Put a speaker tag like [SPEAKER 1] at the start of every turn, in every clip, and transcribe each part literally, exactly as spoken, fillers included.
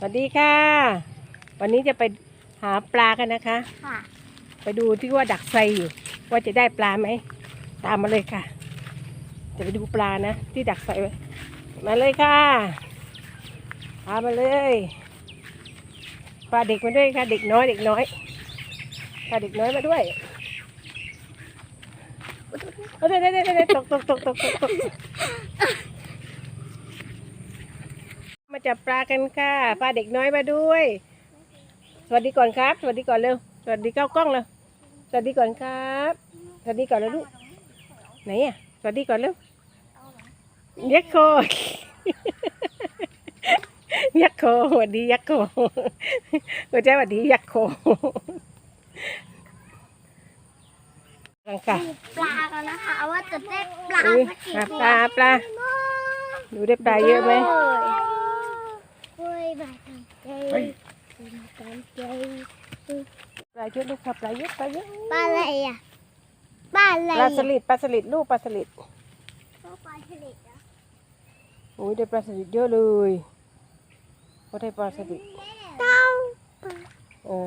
[SPEAKER 1] วัสดีค่ะวันนี้จะไปหาปลากันนะคะ
[SPEAKER 2] ค่ะ
[SPEAKER 1] ไปดูที่ว่าดักไซอยู่ว่าจะได้ปลาไหมตามมาเลยค่ะจะไปดูปลานะที่ดักไซไว้มาเลยค่ะพามาเลยพาเด็กมาด้วยค่ะเด็กน้อยเด็กน้อยพาเด็กน้อยมาด้วยเด้เด้เด้เด้ตกตกตกตกตกตกมาจับปลากันค่ะพาเด็กน้อยมาด้วยสวัสดีก่อนครับสวัสดีก่อนเร็วสวัสดีเก้ากล้องเลยสวัสดีก่อนครับสวัสดีก่อนแล้วลูกไหนอ่ะสวัสดีก่อนเร็วยักษ์โคยักษ์โคสวัสดียักษ์โคหัวใจสวัสดียักษ์โครังกะ
[SPEAKER 2] ปลากันนะคะว่าจะได้ปลา
[SPEAKER 1] อุ้ย
[SPEAKER 2] สักกี่
[SPEAKER 1] หา
[SPEAKER 2] ตัว
[SPEAKER 1] ปลาปลาดูได้ปลาเยอะไหม
[SPEAKER 2] โอ้ยบาดใจตามใจ
[SPEAKER 1] ปลาเยอะลูกค่ะปลาเยอะปลาเยอะ
[SPEAKER 2] ปลาอะไรอ่ะปลาอะไร
[SPEAKER 1] ปลาสลิดปลาสลิดลูกปลาสลิด
[SPEAKER 2] ปลาฉลิดอ่ะ
[SPEAKER 1] อุ้ยได้ปลาสลิดเยอะเลยก็ได้ปลาสลิด
[SPEAKER 2] เต้า
[SPEAKER 1] เออ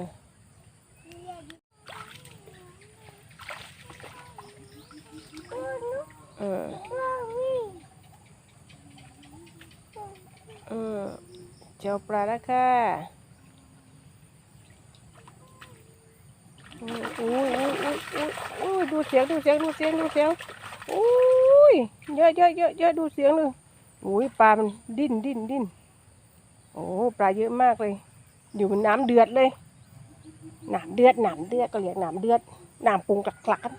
[SPEAKER 1] เออเออเจ้าปลาแล้วค่ะอุ้ยอุ้ยอุ้ยอุ้ยอุ้ยดูเสียงดูเสียงดูเสียงดูเสียงอุ้ยเยอะเยอะเยอะเยอะดูเสียงเลยอุ้ยปลามันดิ้นดิ้นดิ้นโอ้ปลาเยอะมากเลยอยู่น้ำเดือดเลยน้ำเดือดน้ำเดือดก็เรียกน้ำเดือดน้ำปรุงกลักๆกัน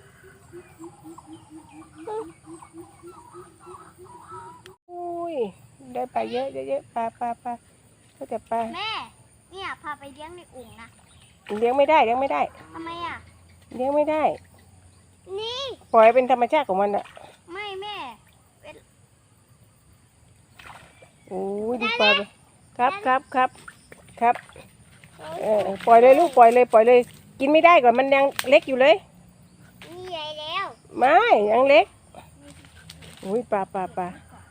[SPEAKER 1] อุ้ยได้ปลาเยอะเยอะเยอะปลาปลาปลาก็จะปลา
[SPEAKER 2] แม่เนี่ยพาไปเลี้ยงในอุ่งนะ
[SPEAKER 1] เลี้ยงไม่ได้เลี้ยงไม่ได้
[SPEAKER 2] ทำไมอ่ะ
[SPEAKER 1] เลี้ยงไม่ได้
[SPEAKER 2] นี่
[SPEAKER 1] ปล่อยเป็นธรรมชาติของมันอะ
[SPEAKER 2] ไม่แม่
[SPEAKER 1] โอ้ยดูปลาไปครับครับครับครับเออปล่อยเลยลูกปล่อยเลยปล่อยเลยกินไม่ได้ก่อนมันยังเล็กอยู่เลย
[SPEAKER 2] นี่ใหญ่แล้ว
[SPEAKER 1] ไม่ยังเล็กอุ้ยปลาปลาปลา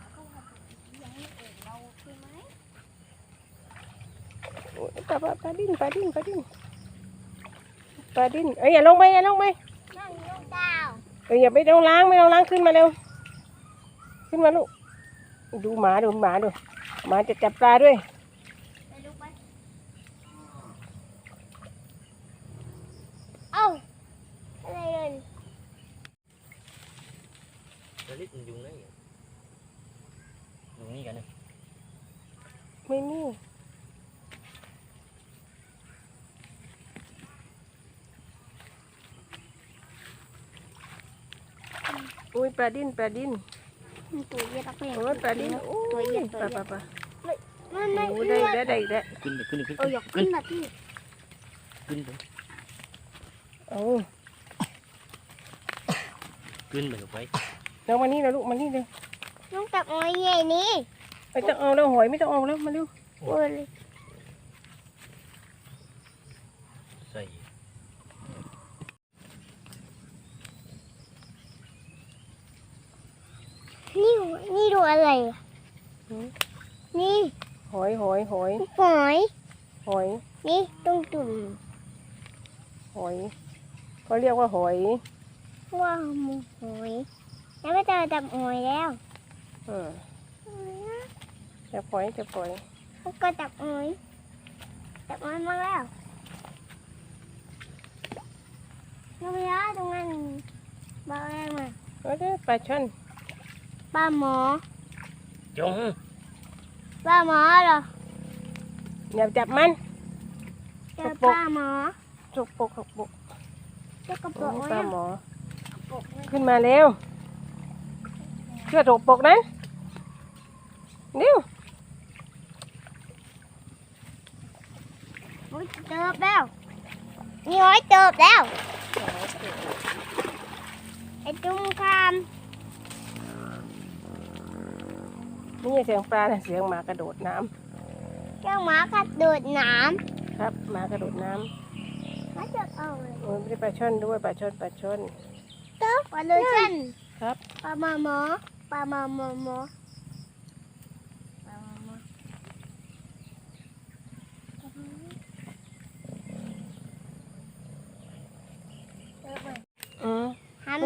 [SPEAKER 1] โอ้ยปลาปลาปลาดิ้นปลาดิ้นปลาดิ้นปลาดิ้นเอ้ยอย่าลงไปอย่าลงไป
[SPEAKER 2] นั่งลูกดาว
[SPEAKER 1] เอ้ยอย่าไปต้องล้างไม่ต้องล้างขึ้นมาเร็วขึ้นมาลูกดูหมาดูหมาดูหมาจะจับปลาด้วย
[SPEAKER 2] ไปดูไปเอ้าอะไรเลย
[SPEAKER 3] Nó lít dùng đấy dùng như vậy này
[SPEAKER 1] ไม่มีอุ้ยปลาดิ้นปลาดิ้น
[SPEAKER 2] มันตัวเย็ดออกไป
[SPEAKER 1] โอ้ยปลาดิ้นโอ้
[SPEAKER 2] ตัวยเย็ด
[SPEAKER 1] ป
[SPEAKER 2] ตัว
[SPEAKER 1] ลาป
[SPEAKER 2] เย็
[SPEAKER 1] ลา
[SPEAKER 2] ด
[SPEAKER 1] ปลา
[SPEAKER 2] มันไม่
[SPEAKER 1] โอ้ได้ได้ได้ได้
[SPEAKER 3] ขึ้นเลยขึ้นเลยขึ้น
[SPEAKER 2] เอออยากขึ้นนะพี่
[SPEAKER 3] ขึ้นไป
[SPEAKER 1] โอ้
[SPEAKER 3] ขึ้นไปลงไป
[SPEAKER 1] เรามานี่เราลูกมานี่เร็ว
[SPEAKER 2] น้องจับหอยใหญ่นี่
[SPEAKER 1] ไม่ต้องเอาแล้วหอยไม่ต้องเอาแล้วมาเร็ว
[SPEAKER 2] โอ้ย
[SPEAKER 3] ใส่
[SPEAKER 2] นี่นี่ดูอะไรอ่ะนี่
[SPEAKER 1] หอยหอยหอย
[SPEAKER 2] หอย
[SPEAKER 1] หอย
[SPEAKER 2] นี่ตรงจุ่ม
[SPEAKER 1] หอยเขาเรียกว่าหอย
[SPEAKER 2] ว่าหมูหอยแล้วไม่เจอจับหอยแล้ว
[SPEAKER 1] เออจะปล่อยจะปล่อย
[SPEAKER 2] เขาก็จับหอยจับหอยมาแล้วน้องยาตรงนั้นบ้าแรงมา
[SPEAKER 1] ก็ได้ปลาช่อน
[SPEAKER 2] ป้าหมอ
[SPEAKER 3] จง
[SPEAKER 2] ป้าหมอเหรอ
[SPEAKER 1] อย่าจับมัน
[SPEAKER 2] เจอป้าหมอ
[SPEAKER 1] จกปกจกปก
[SPEAKER 2] เจ้ากระ
[SPEAKER 1] โอ้
[SPEAKER 2] โปรง
[SPEAKER 1] ปลา
[SPEAKER 2] เนี่ย
[SPEAKER 1] หมอ
[SPEAKER 2] กระโปรงเนี่ย
[SPEAKER 1] ขึ้นมาเร็วเชื่อจกปกนะเร็ว
[SPEAKER 2] โอ้ยเจอแล้วนี่หอยเจอแล้วไอ้จุ้มคาม
[SPEAKER 1] นี่เสียงปลาเสียงหมากระโดดน้ำ
[SPEAKER 2] เจ้าหมากระโดดน้
[SPEAKER 1] ครับหมากระโดดน้
[SPEAKER 2] ำมาเจอเอาเลย
[SPEAKER 1] ำโอ้ยไม่ได้ปลาช่อนด้วยปลาช่อนปลาช่อน
[SPEAKER 2] เจ้าปลาโลชั่น
[SPEAKER 1] ครับ
[SPEAKER 2] ปลาหมอหมอปลาหมอหมอหมอปลาหมอหมอ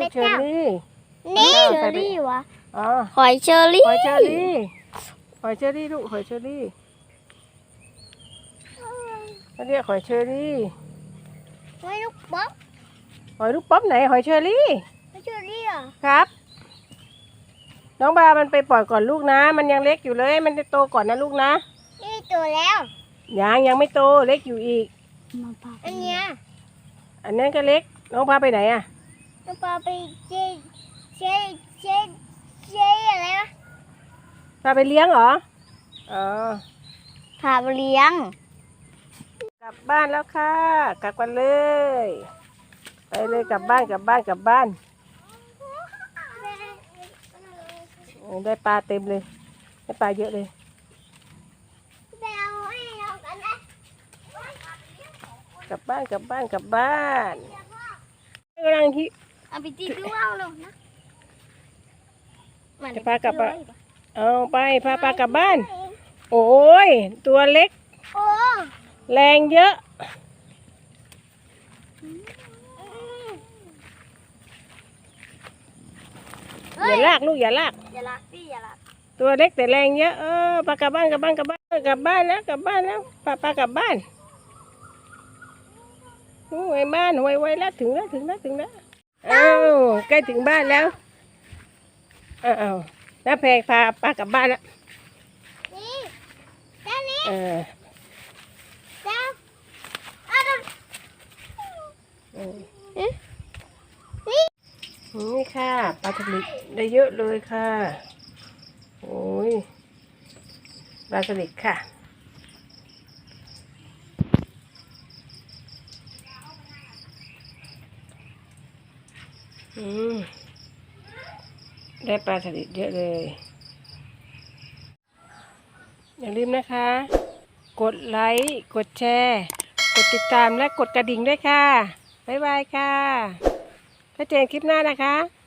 [SPEAKER 1] เชอรี่
[SPEAKER 2] นี่
[SPEAKER 1] เอา
[SPEAKER 2] เช
[SPEAKER 1] ใส่
[SPEAKER 2] อ
[SPEAKER 1] ไป
[SPEAKER 2] รี่วะ
[SPEAKER 1] อ๋อ
[SPEAKER 2] หอยเชอรี่
[SPEAKER 1] หอยเชอรี่หอยเชอรี่ลูกหอยเชอรี่เขาเรียกหอยเชอรี่
[SPEAKER 2] หอยลูกป๊อก
[SPEAKER 1] หอยลูกป๊อปไหนหอยเชอรี่
[SPEAKER 2] หอยเชอรี่อ่ะ
[SPEAKER 1] ครับ น้องบามันไปปล่อยก่อนลูกนะ มันยังเล็กอยู่เลย มันจะโตก่อนนะลูกนะ
[SPEAKER 2] นี่ตัวแล้ว
[SPEAKER 1] ยังยังไม่โตเล็กอยู่อีก
[SPEAKER 2] อันเนี้ย
[SPEAKER 1] อันนั้นก็เล็ก น้องพาไปไหนอ่ะ
[SPEAKER 2] น้องปลาไปเจเจเจเจอะไรวะ
[SPEAKER 1] พาไปเลี้ยงเหรอ อ๋อ
[SPEAKER 2] พาไปเลี้ยง
[SPEAKER 1] กลับบ้านแล้วค่ะ กลับกันเลย ไปเลยกลับบ้านกลับบ้านกลับบ้านโอ้ได้ปลาเต็มเลย ได้ปลาเยอะเลย
[SPEAKER 2] ไปเอาให้เรากันนะ
[SPEAKER 1] กลับบ้านกลับบ้านกลับบ้านกำลังที่
[SPEAKER 2] เอาไปตีดูเอาลงนะ
[SPEAKER 1] จะพากลับบ้านเอาไปพาปลากลับบ้าน โอ้ยตัวเล็ก
[SPEAKER 2] โอ้
[SPEAKER 1] แรงเยอะ อย่าลากลูกอย่าลาก
[SPEAKER 2] อย่าลักดิอย่าลัก
[SPEAKER 1] ตัวเล็กแต่แรงเยอะเออปลากลับบ้านกลับบ้านกลับบ้านกลับบ้านแล้วกลับบ้านแล้วปลาปลากลับบ้านโอ้ยบ้านไวไวแล้วถึงแล้วถึงแล้วถึงแล้วอ้าวใกล้ถึงบ้านแล้วอ้าวน้าแพรพาปลากลับบ้านแล้ว
[SPEAKER 2] นี่เจ้านี่
[SPEAKER 1] เออ
[SPEAKER 2] เจ้าเอาดู
[SPEAKER 1] เออนี่ค่ะปลาทะเลได้เยอะเลยค่ะโอ้ยปลาสลิดค่ะอืมได้ปลาสลิดเยอะเลย อย่าลืมนะคะ กดไลค์ กดแชร์ กดติดตามและกดกระดิ่งด้วยค่ะ บ๊ายบายค่ะพบเจอกันคลิปหน้านะคะ